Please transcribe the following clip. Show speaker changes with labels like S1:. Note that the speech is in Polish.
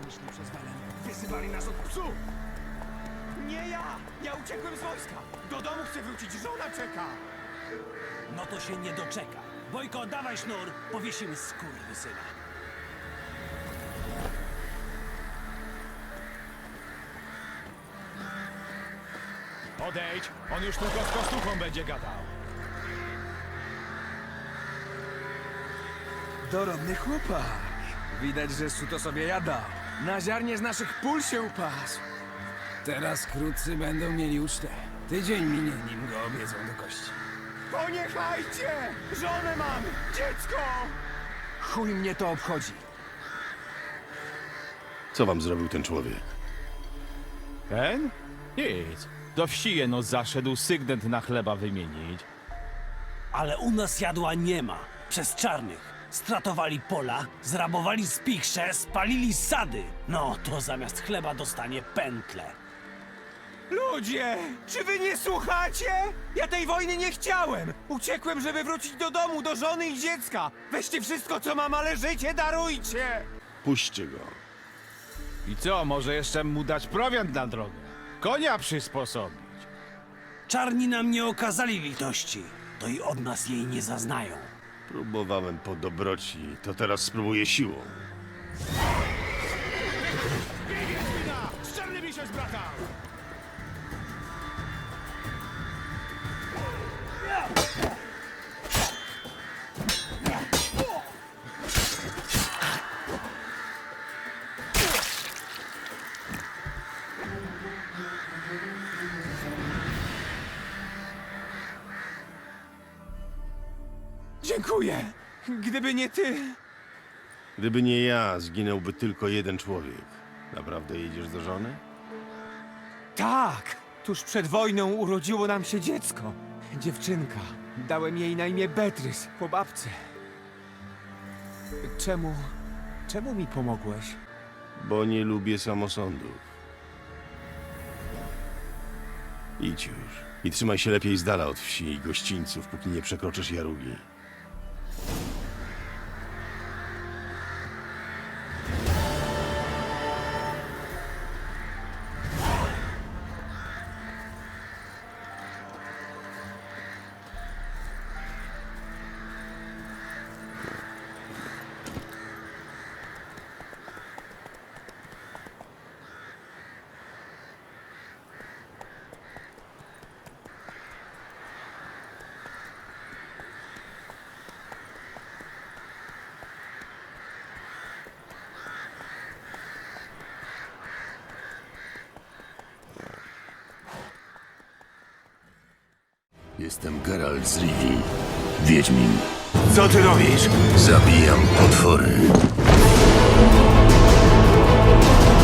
S1: Myśli przez Welen. Wyzywali nas od psów!
S2: Nie ja! Ja uciekłem z wojska! Do domu chcę wrócić, żona czeka!
S1: No to się nie doczeka. Bojko, dawaj sznur, powiesimy skurwysyna.
S2: Odejdź! On już tylko z kostuchą będzie gadał.
S3: Dorodny chłopak. Widać, że suto sobie jadał. Na ziarnie z naszych pól się upasł. Teraz wkrótce będą mieli ucztę. Tydzień minie, nim go obiedzą do kości.
S2: Poniechajcie! Żonę mam! Dziecko!
S3: Chuj mnie to obchodzi.
S4: Co wam zrobił ten człowiek?
S5: Ten? Nic. Do wsi jeno zaszedł sygnent na chleba wymienić.
S1: Ale u nas jadła nie ma. Przez czarnych. Stratowali pola, zrabowali spichrze, spalili sady. No, to zamiast chleba dostanie pętle.
S2: Ludzie! Czy wy nie słuchacie? Ja tej wojny nie chciałem! Uciekłem, żeby wrócić do domu, do żony i dziecka! Weźcie wszystko, co mam, ale życie darujcie!
S4: Puśćcie go.
S5: I co, może jeszcze mu dać prowiant na drogę? Konia przysposobić.
S1: Czarni nam nie okazali litości. To i od nas jej nie zaznają.
S4: Próbowałem po dobroci, to teraz spróbuję siłą.
S2: Z czarnymi się zbratał! Dziękuję! Gdyby nie ty...
S4: Gdyby nie ja, zginąłby tylko jeden człowiek. Naprawdę jedziesz do żony?
S2: Tak! Tuż przed wojną urodziło nam się dziecko. Dziewczynka. Dałem jej na imię Beatrice, po babce. Czemu mi pomogłeś?
S4: Bo nie lubię samosądów. Idź już. I trzymaj się lepiej z dala od wsi i gościńców, póki nie przekroczysz Jarugi.
S6: Jestem Geralt z Rivii, Wiedźmin.
S2: Co ty robisz?
S6: Zabijam potwory.